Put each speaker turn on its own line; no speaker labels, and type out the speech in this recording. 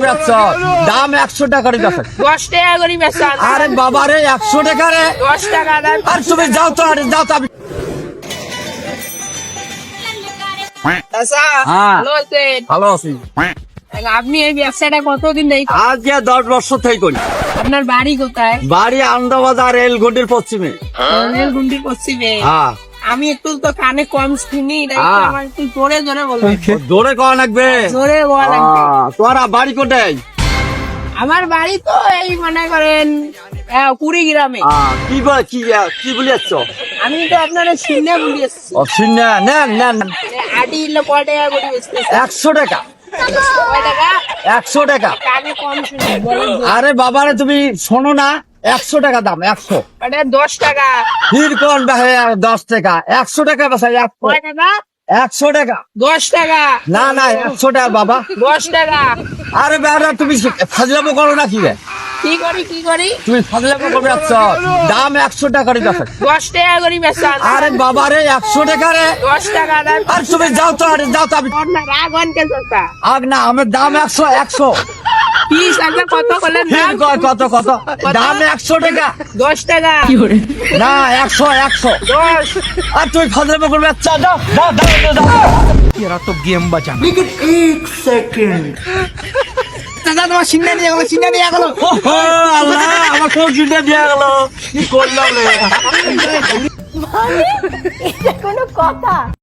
করবে আচ্ছা দাম 100 টাকা করে বেচা
10 টাকা করে বেচান।
আরে বাবা রে 100 টাকা রে
10 টাকা দাম।
আর তুমি যাও তো আরে যাও তো আমি
চাচা,
হ্যাঁ।
ভালো আছেন?
ভালো আছি
আপনি এই ব্যবসাটা কতদিন ধরে করেন?
আজ 10 বছর থেকে করি
আপনার বাড়ি কোথায়?
বাড়ি আহমেদাবাদ রেলগন্ডির পশ্চিমে
রেলগুন্ডির পশ্চিমে।
হ্যাঁ
আমি একটু তো কানে কম শুনি, তাই একটু
হ্যাঁ।
আমার একটু জোরে জোরে বলবেন।
জোরে কওয়া লাগবে
জোরে বলা লাগবে।
তোরা বাড়ি কোথায়
আমার বাড়ি তো এই মনে করেন কুড়িগ্রামে।
কি কি বলি যাচ্ছ
আমি তো আপনার শুনে বলি এসছি।
অসিনা নেন নেন
আটি ইলে কয় টাকা করে বেচতেছে?
100 টাকা
কয় টাকা?
100 টাকা
কানে কম শুনি, বলেন জোরে।
আরে বাবারে তুমি শোনো না 100 টাকা দাম 100
ওটা 10 টাকা।
ফির কোন 10 টাকা 100 টাকা বাসাই
কয় টাকা?
100 টাকা
10 টাকা।
না না 100 টাকা বাবা
10 টাকা।
আরে বেটা তুমি ফাজলামো করো না কি রে
কি করি কি করি?
তুমি ফাজলামো করবে আচ্ছা দাম 100 টাকা করে বেচা
10 টাকা করে বেচান।
আরে বাবা রে 100 টাকা রে
10 টাকা দাম।
আর তুমি যাও তো আরে যাও তো আমি
না রাগ হন কেন চাচা?
আগ না আমার দাম 100
কি চাচা কত করলেন
ফির
দাম?
কয় কত দাম 100 টাকা
10 টাকা।
না 100
10।
আর তুই ফাজলামো করবে আচ্ছা দাও দাও দাও দাও
तेरा तो गेम बचाना
চাচা তোমার সিন্না দিয়ে গেলো, সিন্না দিয়ে গেলো।
ও আল্লাহ আমার কোন চিন্তা দিয়া গেল কি করলাম রে
এটা কোনো কথা?